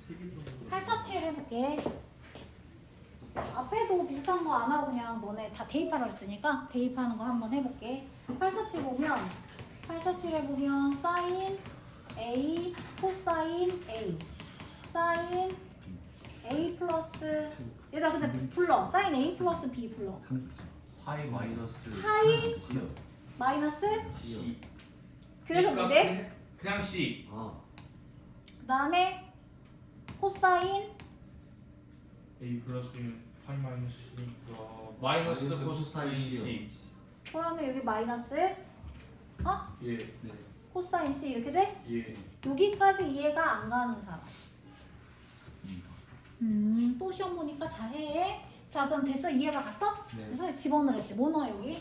847 해볼게. 앞에도 비슷한 거 안 하고 그냥 너네 다 대입하라 했으니까 대입하는 거 한번 해볼게. 847 보면 847에 보면 사인 A, 코사인 A, 사인 A 플러스 얘가 근데 불러. 사인 A 플러스 B 불러. 파이 마이너스 파이 C요. 마이너스 C. 그래서 뭔데? 그냥 C. 그 다음에 코사인 A 플러스 B는 파이 마이너스 C니까 마이너스 코사인 C. 그러면 여기 마이너스 예. 네. 코사인 C 이렇게 돼? 예. 여기까지 이해가 안 가는 사람. 맞습니다. 또 시험 보니까 잘해. 자 그럼 됐어? 이해가 갔어? 네. 그래서 집어넣었지. 뭐 넣어 여기?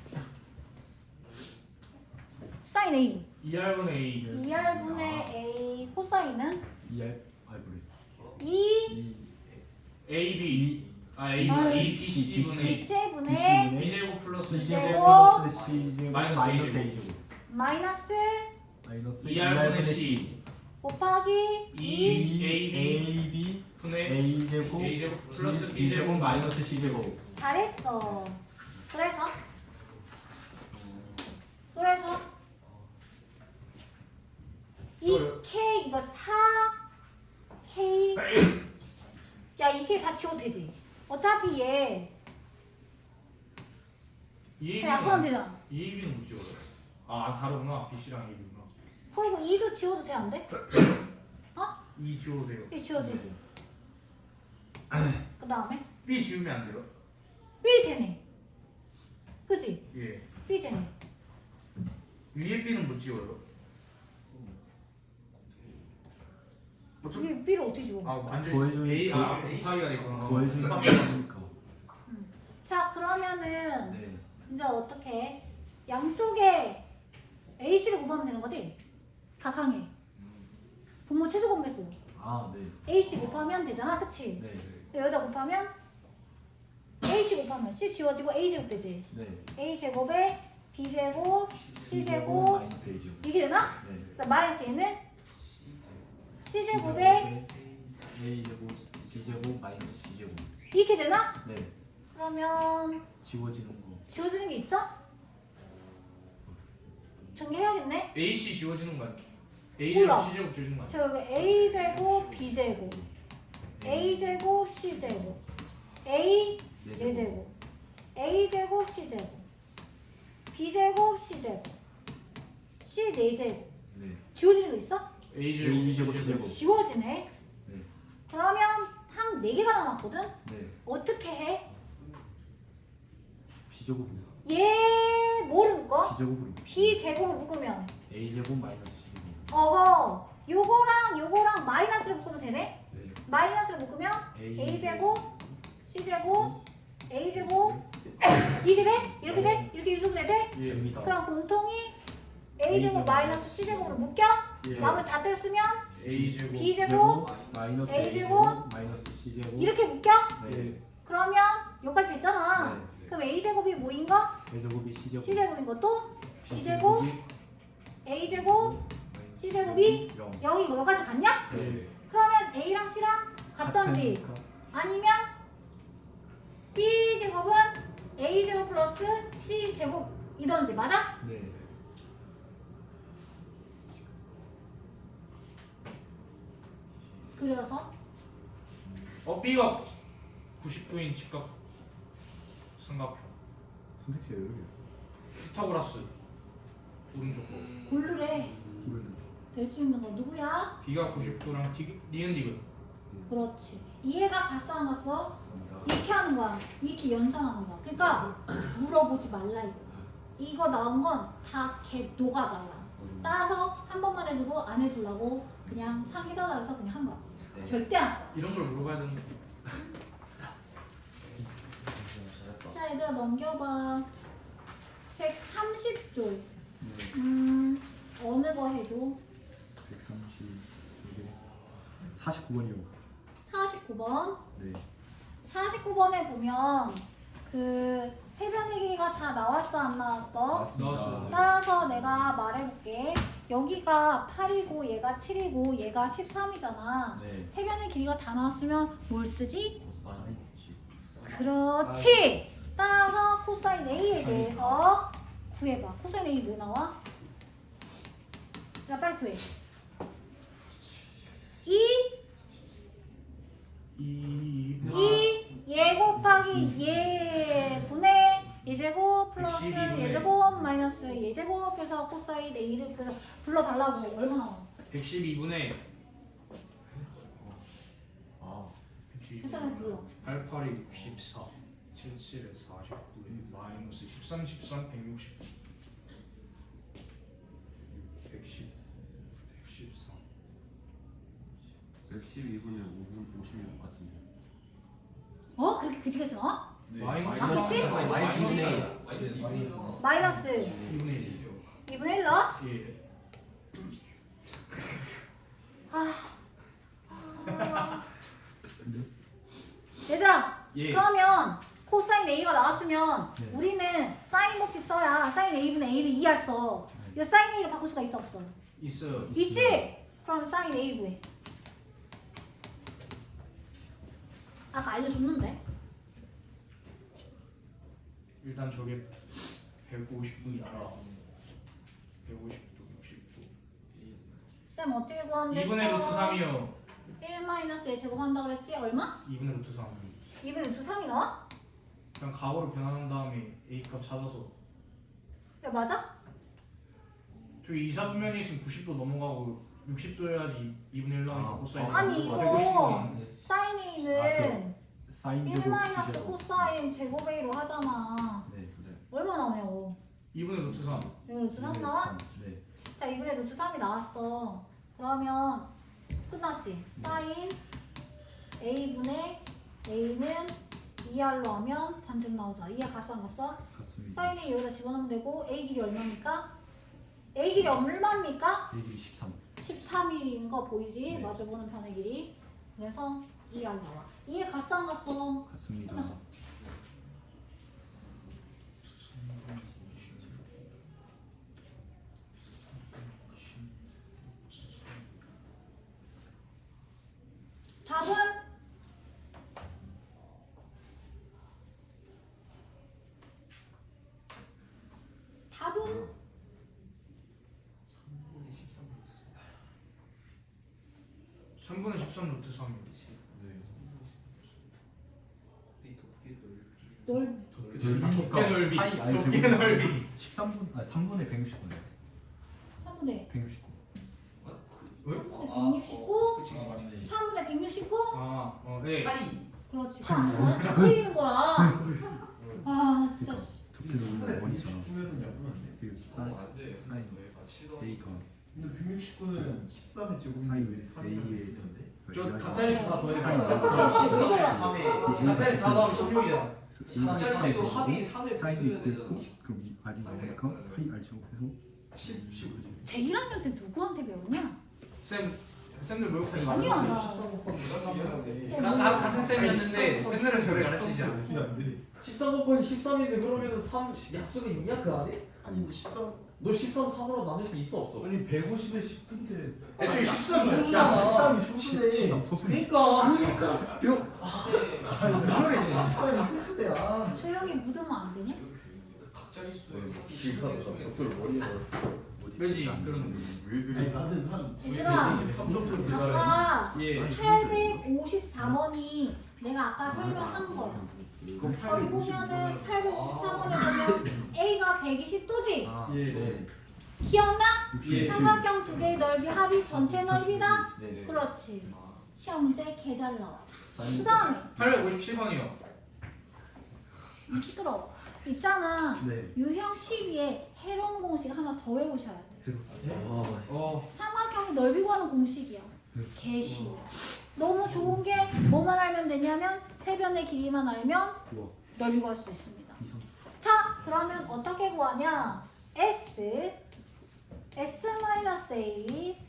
사인 A. 2R분의 A. 2R분의 A 코사인은 2R 알브레 2 AB. A, 아, B, C, C분의 C분의 B제곱 플러스 C제곱 플러스 C제곱 마이너스 마이너스 A제곱. A제곱 마이너스 마이너스 2R분의 C. 곱하기 2 AB AB 분의 A제곱 A제곱 플러스 B제곱 마이너스 C제곱. 잘했어. 그래서 이 K 이거 4K 야 이 K 다 지워도 되지. 어차피 얘 그냥 그럼 되잖아. AB는 못 지워요. 아 다르구나. BC랑 AB구나. 그리고 2도 지워도 돼 안 돼? 2 지워도 돼요. 이 지워도 되지. 그 다음에 B 지우면 안 돼요? B 되네. 그지? 예. B 되네. 위에 B는 못 지워요. 여기 B를 어떻게 지워? 아 완전 더해주면 A 더- 곱하기가 되구나. 더해주면 곱하기. 되니까. 자 그러면은 네. 이제 어떻게 해? 양쪽에 AC를 곱하면 되는 거지? 각항에 분모 최소 공개수 아 네. AC 곱하면 되잖아 그치? 네. 여기다 곱하면 AC 곱하면 C 지워지고 A제곱 되지? 네. A제곱에 B제곱 C제곱 마이너스 A제곱. 이게 되나? 네. 그러니까 마이너스 얘는 C제곱에 A제곱 B제곱 마이너스 C제곱. 이렇게 되나? 네. 그러면 지워지는 거. 지워지는 게 있어? 정리해야겠네? AC 지워지는 거 아니야? 몰라. A제곱 C제곱 지워지는 거 아니야? 저 여기 A제곱 B제곱 A제곱 C제곱 A 네. 4제곱 A제곱 C제곱 B제곱 C제곱 C 4제곱 네. 지워지는 거 있어? A제곱 A제곱 C제곱. C제곱. 지워지네. 네. 그러면 한 4개가 남았거든? 네. 어떻게 해? B제곱으로. 얘 뭐를 묶어? B제곱으로. B제곱을 묶으면 A제곱 마이너스 C제곱. 어허 요거랑 마이너스를 묶으면 되네? 네. 마이너스를 묶으면 A A제곱 C제곱 A제곱 이게 돼? 이렇게 돼? 이렇게 유수분해 돼? 예. 됩니다. 그럼 공통이 A제곱 마이너스 C제곱으로 묶여? 예. 마음을 다 때렸으면 A제곱 B제곱 마이너스 A제곱 마이너스 C제곱. 이렇게 묶여? 네. 그러면 여기까지 됐잖아. 네. 그럼 A제곱이 뭐인 거? A제곱이 C제곱. C제곱인 것도 B제곱 A제곱 C제곱이 0. 0인 거 여기까지 갔냐? 네. 그러면 A랑 C랑 같던지 같으니까. 아니면 B제곱은 A제곱 플러스 C제곱이던지 맞아? 네. 그래서 B가 90도인 직각 삼각형 선택지가 여기야. 피타고라스 오른쪽 거. 고르래. 고르는. 될 수 있는 거 누구야? B가 90도랑 니은 디귿. 그렇지. 이해가 갔어 안 갔어? 맞습니다. 이렇게 하는 거야. 이렇게 연상하는 거야. 그러니까 물어보지 말라 이거. 이거 나온 건 다 걔 노가 나와. 따라서 한 번만 해주고 안 해주려고 그냥 상해달라 해서 그냥 한 거야. 네. 절대 안 해. 이런 걸 물어봐야 되는데. 자 얘들아 넘겨봐. 130조. 네. 어느 거 해줘? 49번이요. 49번. 네. 49번에 보면 그 새벽 얘기가 다 나왔어 안 나왔어? 맞습니다. 나왔어요. 따라서 내가 말해볼게. 여기가 8이고 얘가 7이고 얘가 13이잖아. 네. 세 변의 길이가 다 나왔으면 뭘 쓰지? 코사인. 그렇지. 따라서 코사인 A에 대해서 구해봐. 코사인 A 뭐 나와? 자, 빨리 구해. 2얘 곱하기 얘 분의 얘제곱 플러스 112분의 얘제곱 마이너스 얘제곱해서 코사인 A를 불러달라고. 얼마 나와? 112분의 아. 계산해 불러. 88이 64 77에 49에 마이너스 13 13 160 110 114 112분에 5분 56 같은데. 어? 그렇게 그지같이 나와? 네. 마이너스 아, 그치? 마이너스 2분의 1 2분의 1 넣어? 예. 얘들아, 예. 그러면 코사인 A가 나왔으면 네. 우리는 사인 법칙 써야 사인 A분의 A를 이해했어. 이거 사인 A를 바꿀 수가 있어 없어? 있어요. 있지? 그럼 사인 A 구해. 아까 알려줬는데. 일단 저게 150분이 알아. 150도 60도 쌤 어떻게 구하는데? 2분의 루트 3이요. 1 마이너스 에 제곱한다 그랬지? 얼마? 2분의 루트 3. 2분의 루트 3이 나와? 그냥 가오를 변환한 다음에 A 값 찾아서 야 맞아? 저기 2사분면이 있으면 90도 넘어가고 60도 해야지 2분의 1 나오니까 아, 코사인. 아니 이거 150도. 사인 A는 사인 1 제곱 마이너스 제곱. 코사인 제곱 A로 하잖아. 네. 얼마 나오냐고. 2분의 루트 3. 2분의 루트 3 나와? 네. 자 2분의 루트 3이 나왔어. 그러면 끝났지? 사인 A분의 A는 2R로 하면 반증 나오잖아. 2R 값 안 갔어? 같습니다. 사인 A 여기다 집어넣으면 되고 A 길이 얼마입니까? A 길이 얼마입니까? 얘들이 13. 13일인 거 보이지? 네. 마주보는 변의 길이. 그래서 2R 나와. 2에 갔어 안 갔어? 같습니다. 끝났어. 답은? 답은? 3분의 13 루트 3. 네. 넓 좁게 넓이. 파이 아니, 좁게 제곱. 넓이. 13분 3분의 169네. 3분의 169. 169 그치. 3분의 169 아, 네. 그렇지. 나는 다 틀리는 거야. 아 진짜. 두께 넓은 원이잖아. 그리고 사인 A가 근데 169는 13의 제곱인데 사인 왜 3이 A의 저 각자리 다 더해. 사인 각자리 다 더하면 16이잖아. 각자리 수 합이 3을 사인이 빼줘야 있고 되잖아. 그럼 R이 나오니까 파이 R 제곱해서 10, 10. 제 1학년 때 누구한테 배웠냐? 쌤들 모욕하지 마. 아니야 나. 13 곱하기 13이라는데 쌤 나 같은 쌤이었는데 쌤들은 저를 가르치지 않아. 13 곱하기 13인데 그러면은 3 약수가 있냐 그 안에? 아니 근데 13 너 13 3으로 나눌 수 있어 없어? 아니 150에 10인데 애초에 13은 야 야 13이 소수네 그러니까. 아니 무슨 소리지? 13이 소수대야 조용히 묻으면 안 되냐? 각자리 수에 벽돌 머리에 넣었어. 그지? 그럼 아니 나는 한 얘들아 23점쯤 아까 예. 854번이 내가 아까 설명한 거. 거기 보면은 853번에 보면 A가 120도지? 아, 예. 네. 기억나? 예. 삼각형 두 개의 넓이 합이 전체 넓이다? 네. 그렇지. 시험 문제 개 잘 나와. 그 사인 다음에 857번이요. 시끄러워. 있잖아. 네. 유형 12에 해론 공식 하나 더 외우셔야 돼. 삼각형의 넓이 구하는 공식이야. 개 쉬워. 너무 좋은 게 뭐만 알면 되냐면 세변의 길이만 알면 우와. 넓이 구할 수 있습니다. 이성. 자, 그러면 어떻게 구하냐? S, S-A,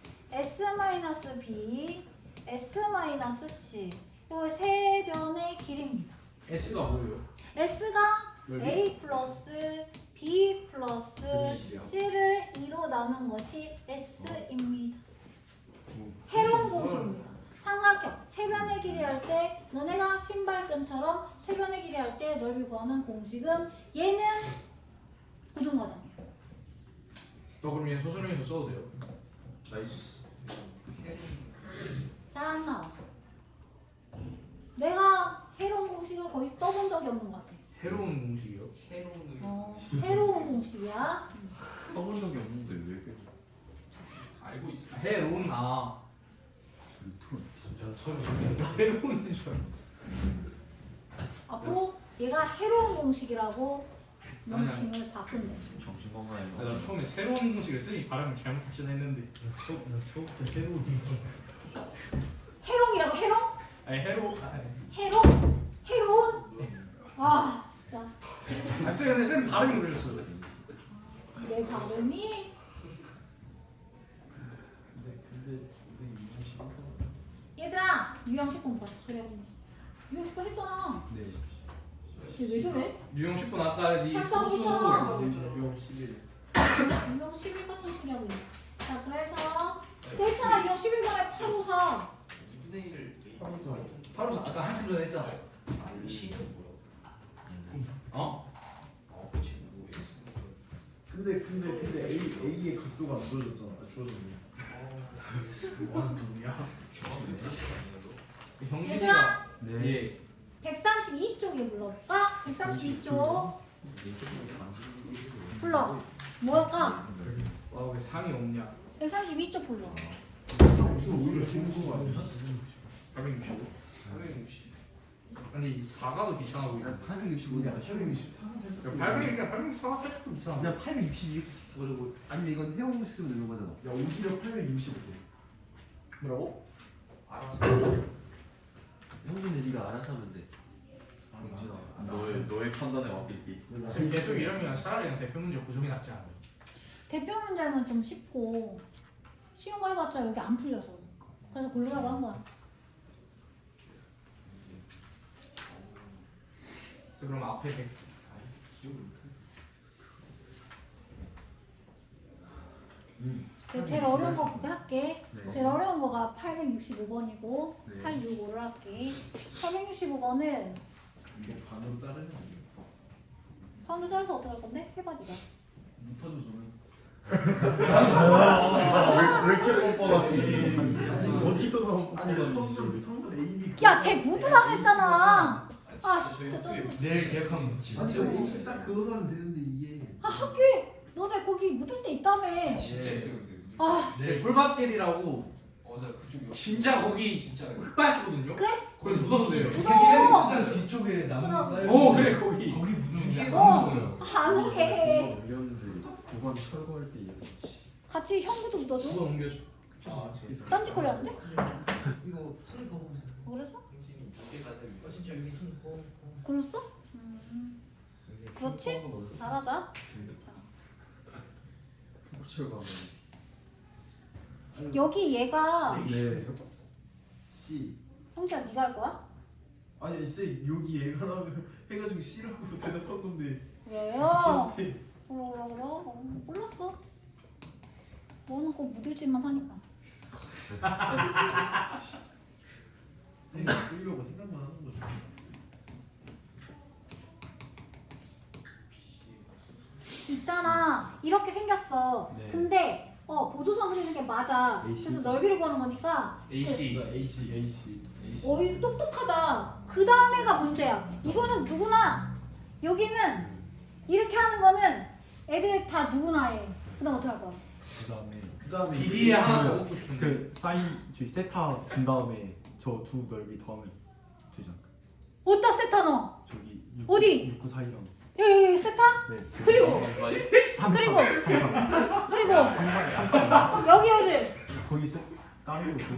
S-B, S-C. 이 세 변의 길이입니다. S가 뭐예요? S가 넓이? A 플러스 B 플러스 C를 2로 나눈 것이 S입니다. 해로운 공식입니다. 삼각형 세변의 길이 할 때 너네가 신발끈처럼 세변의 길이 할 때 넓이 구하는 공식은 얘는 고정과정이에요. 그럼 얘 소수명에서 써도 돼요. 나이스. 잘 안 나와. 내가 해로운 공식을 거의 써본 적이 없는 것 같아. 해로운 공식이요? 해로운 공식이야. 써본 적이 없는데 왜 그래? 알고 있어. 해로운 루트로 진짜 처음 해로운 줄 알아. 앞으로 얘가 해로운 공식이라고 명칭을 바꾼대. 정신 건강에 나 처음에 새로운 공식을 쓰니 발음을 잘못하시나 했는데. 나 처음부터 새로운 해롱이라고 해롱? 아니 해로. 해롱? 해로운? 아 진짜 아 쌤, 쌤 발음이 그랬어. 내 발음이 근데 이거 얘들아 유형 10번 봤어 소리 하고 있어. 유형 10번 했잖아. 네. 쟤 왜 저래? 유형 10분 아까 네 팔, 삼, 소수 구잖아. 유형 11. 유형 11 같은 소리 하고 있어. 자 그래서 그 했잖아 유형 11번에 854. 2분의 1을 바로 아까 한참 전에 했잖아. C는 뭐야? 어? 근데 A의 각도가 안 주어졌잖아. 주어졌네. 뭐하는 놈이야? 형식이가 얘들아 네. 예. 132쪽에 불러볼까? 132쪽 불러. 뭐할까? 와왜 상이 없냐? 132쪽 불러. 오히려 좋은 거 아니야? 865? 860. 아니 4가도 귀찮아 보이네. 865냐? 864는 살짝. 864가 살짝 귀찮아. 그냥 862 그리고 아니면 이건 해용 쓰면 되는 거잖아. 야 오히려 865. 뭐라고? 알았어. 형준이 네가 알아서 하면 돼. 너의 판단에 맡길게. 계속 이러면 차라리 그냥 대표 문제 고정이 낫지 않아? 대표 문제는 좀 쉽고 쉬운 거 해봤자 여기 안 풀려서 그래서 고르라고 한 거야. 그럼 앞에 100. 제일 어려운 거 그거 할게. 네. 제일 어려운 거가 865번이고 네. 865를 할게. 865번은 이게 반으로 자르면 안 돼. 반으로 잘라서 어떻게 할 건데? 해봐 니가. 못하죠 저는. 왜 이렇게 뻔뻔하지? 어디서 나온 아니 성분 A, B. 야, 쟤 묻으라 했잖아. 아, 진짜 짜증나. 내일 계획하면 아니 진짜. A C 딱 그거 사면 되는데 이게. 아, 학교에 너네 거기 묻을 때 있다며. 진짜 있어 근데. 아, 내 솔밭길이라고 나 그쪽 진짜 거기 진짜. 흙밭이거든요. 그래? 거기 묻어도 돼요. 묻어. 뒤쪽에 나무 그럼. 쌓여 오 그래 거기. 거기 묻으면 어, 안 오게 해. 올렸는데 9번 철거할 때 이랬지. 같이 형부도 묻어줘. 누가 옮겨줘? 아 진짜. 딴짓거리 하는데? 이거 손이 거보세요. 그래서? 형진이 2개 가지고. 진짜 여기 손이 거. 그랬어? 그렇지? 잘하자. 자, 철거. 여기 얘가 네. C. 형제야 네가 할 거야? 아니 쌤 여기 얘가라면 해가지고 C라고 대답한 건데. 왜요? 저한테 몰랐어. 너는 꼭 묻을 짓만 하니까. 쌤이 끌려고 생각만 하는 거죠. 있잖아. 이렇게 생겼어. 네. 근데 보조선 그리는 게 맞아. AC 그래서 죠. 넓이를 구하는 거니까. AC. AC. 이거 똑똑하다. 그 다음에가 문제야. 이거는 누구나 여기는 이렇게 하는 거는 애들 다 누구나 해. 그다음 어떻게 할 거야? 그다음에 비디에 하나 더 먹고 싶은데. 그 사인 저희 세타 준 다음에 저 두 넓이 더하면 되잖아. 어디다 세타 넣어? 저기 어디? 6, 9 사이랑. 여기 세타? 네. 그리고 3, 그리고 3, 그리고 여기를 거기 세 다른 거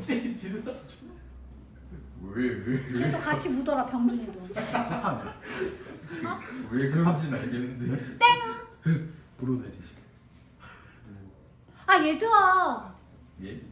왜? 쟤도 같이 묻어라 병준이도. 세타네. 왜 그런지는 알겠는데. 브로드 대신. 아 얘들아. 예?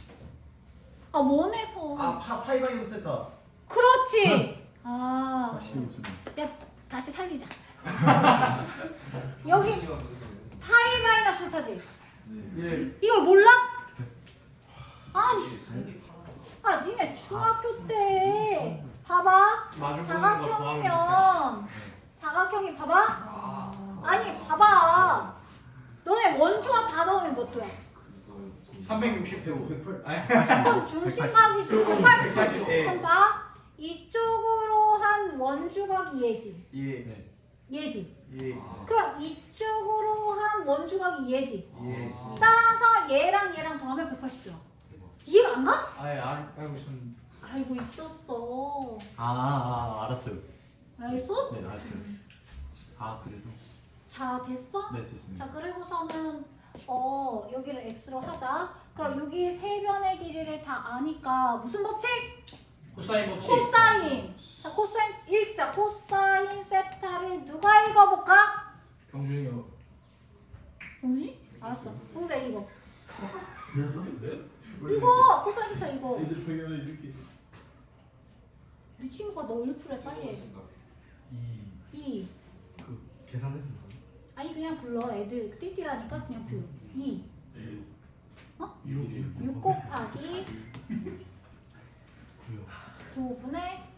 원에서. 파이바인 세타. 그렇지. 아. 확실히 무슨. 야 다시 살리자. 여기 파이 마이너스 세타지. 예. 이걸 몰라? 아니, 니네 중학교 때 봐봐. 마주 보는 거 좋아하면 사각형이 봐봐. 아니 봐봐. 너네 원주가 다 넣으면 몇 도야? 360도 108. 아니 그럼 중심각이 180도지. 180, 예. 그럼 봐. 이쪽으로 한 원주각이 얘지. 예. 얘지. 예. 그럼 이쪽으로 한 원주각이 얘지. 예. 따라서 얘랑 얘랑 더하면 180도야. 이해가 안 가? 아예 알고 있었는데 알고 있었어. 알았어요. 알겠어? 네, 알았어요. 그래서 자, 됐어? 네, 됐습니다. 자, 그리고서는 여기를 x로 하자. 그럼 여기 세 변의 길이를 다 아니까 무슨 법칙? 코사인 법칙 코사인. 자, 코사인 일자 코사인 세타를 누가 읽어볼까? 병준이요 동지? 알았어. 동자 읽어. 이거 코사인 세타 읽어. 애들 배경을 이렇게. 네 친구가 너 1%에 빨리 해. 2. 계산해서 아니 그냥 불러. 애들 띠띠라니까 그냥 불러. 2. 6 곱하기 9분의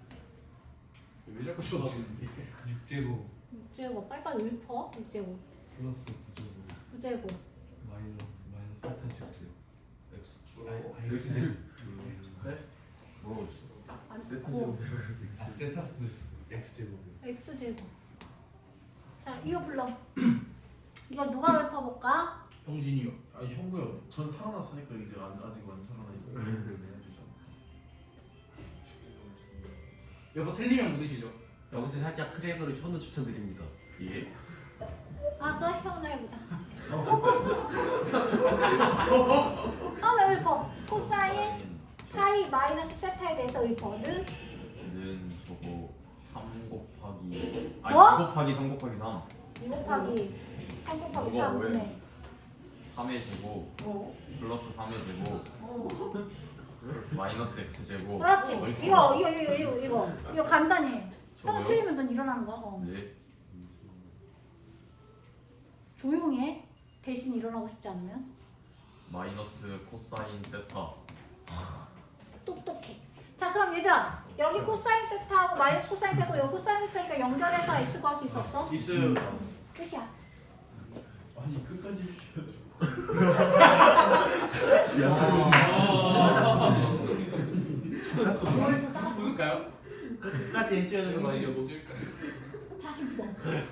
왜 자꾸 쳐다보는데? 6제곱 6제곱. 빨리빨리 읊어. 6제곱. 플러스 9제곱 9제곱. 마이너스 세타 X. X. 뭐? 아니, 세타스 X제곱이요. X제곱. 자, 이거 불러. 이거 누가 읊어볼까? 병준이요 아니 형구야. 전 살아났으니까 이제 아직 안 살아나니까. 여기서 틀리면 묻으시죠 여기서 살짝 크랙으로 현우 추천드립니다. 예. 그래? 형나 해보자. 나 읊어. 코사인 파이 마이너스 세타에 대해서 읊어는 는 저거 3 곱하기 뭐? 2 곱하기 3 곱하기 3 2 곱하기 3 곱하기 뭐가 3분의 3의 제곱 플러스 3의 제곱 마이너스 x 제곱 그렇지. 어디서 이거 간단히 해. 저거요? 형은 틀리면 넌 일어나는 거야. 네. 조용히 해. 대신 일어나고 싶지 않으면. 마이너스 코사인 세타 똑똑해. 자, 그럼 얘들아, 여기 코사인 세타하고 마이너스 코사인 세타고 여기 코사인 세타니까 연결해서 x 구할 수 있어 없어? 있어요 끝이야. 아니 끝까지 해주셔야죠. 뭘 줬다가 묻을까요? 끝까지 해줘야 되는 거 아니에요? 다시 묻어.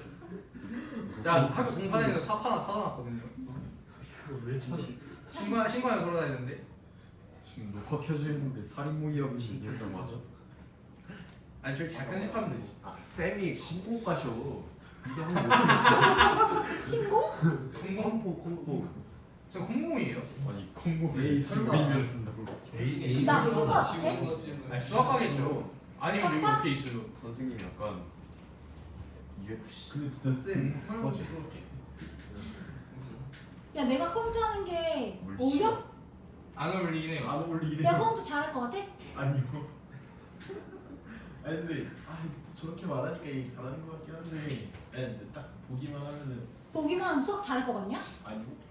야 학교 공사장에서 삽 하나 사다 놨거든요 왜 차시? 신고하면 돌아다니는데 지금 녹화 켜져 있는데 살인모의하고 신기했던 맞아? 아니 저기 잘 편집하면 되지 쌤이 신고 가셔. 이게 한번 신고? 콩고 저 공공이에요 아니 콩고 에이, 설마. 의미를 쓴다고. 나 친구 같아? 아니 수학하겠죠 아니면 여기 이렇게 있어요 선생님 약간 UFC 근데 진짜 쌤 맞아. 야, 내가 컴퓨터 하는 게 물씬. 어울려? 안 어울리긴 해요 안 어울리네. 내가 컴퓨터 잘할 것 같아? 아니요. 아니 근데 저렇게 말하니까 이게 잘하는 것 같긴 한데 아니 이제 딱 보기만 하면은 보기만 하면 수학 잘할 것 같냐? 아니고.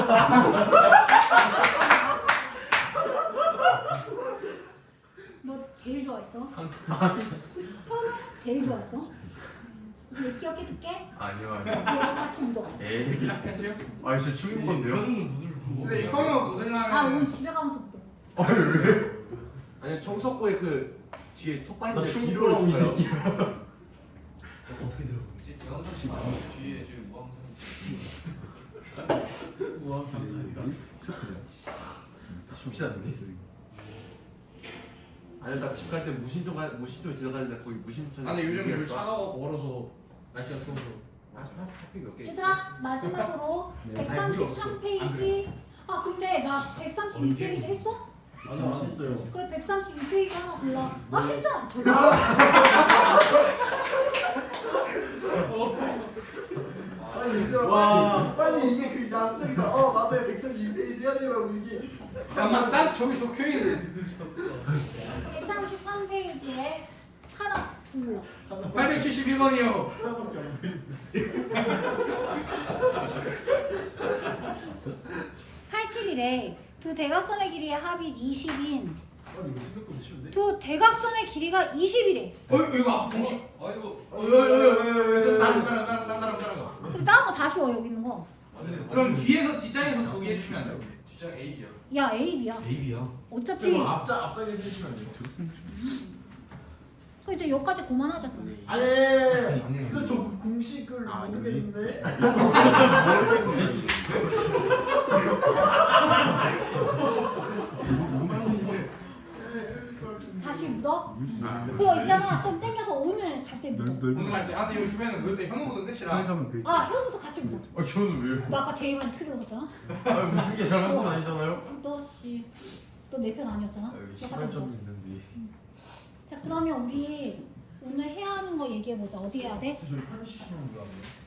너 제일 좋아했어? 현우 제일 좋아했어? 얘 기억해 둘게. 아니요 얘도 같이 묻어. 에이 아니 진짜 충분한데요? 근데 형이 묻으려면 오늘 집에 가면서 묻어. 아니 청석구의 그 뒤에 톡바인드 나 충분하고 이 새끼야. 어떻게 들어? 뒤에 지금 뭐 우와, 쉽지 않네. 아니 나 집 갈 때 무신촌 지나가는데 거기 무신촌. 아 근데 요즘 물 차가워 멀어서 날씨가 추워서 커피 몇 개? 얘들아, 마지막으로 133페이지. 근데 나 132페이지 했어? 아니 안 했어요. 그래, 132페이지 하나 골라. 했잖아. 저기. 아니 얘들아 빨리 이게 그 양쪽에서 맞아요 132페이지 해야 되라고 이게. 야막 딱 저기 적혀있는데 133페이지에 하나 몰라. 871번이요. 하나밖에 안 보이는데. 871에 두 대각선의 길이의 합이 20인 아니 이거 생각보다 쉬운데? 두 대각선의 길이가 20이래. 이거 공식. 아이고. 다른 거. 그럼 다른 거 다 쉬워 여기 있는 거. 그럼 뒤에서 뒷장에서 두 개 해주시면 안 돼요? 뒷장 A야. 야 A, B야. A야. 어차피 앞장에 해주시면 안 돼요? 그 이제 여기까지 그만하자. 아니 진짜 저 그 공식을 모르겠는데. 다시 묻어? 그거 있잖아. 좀 땡겨서 오늘 갈 때 묻어. 오늘 갈때 아, 근데 이거 주변에 그때 현우 묻은 끝이라. 하면 돼. 아 현우도 같이 묻어. 저는 왜요? 나 아까 제일 많이 크게 웃었잖아. 무슨 게 잘못은 아니잖아요. 너씨 너 내 편 아니었잖아. 너 같은 거. 시발점이 있는데. 자 그러면 우리 오늘 해야 하는 거 얘기해 보자. 어디 해야 돼? 저희 80시간 거 아니에요?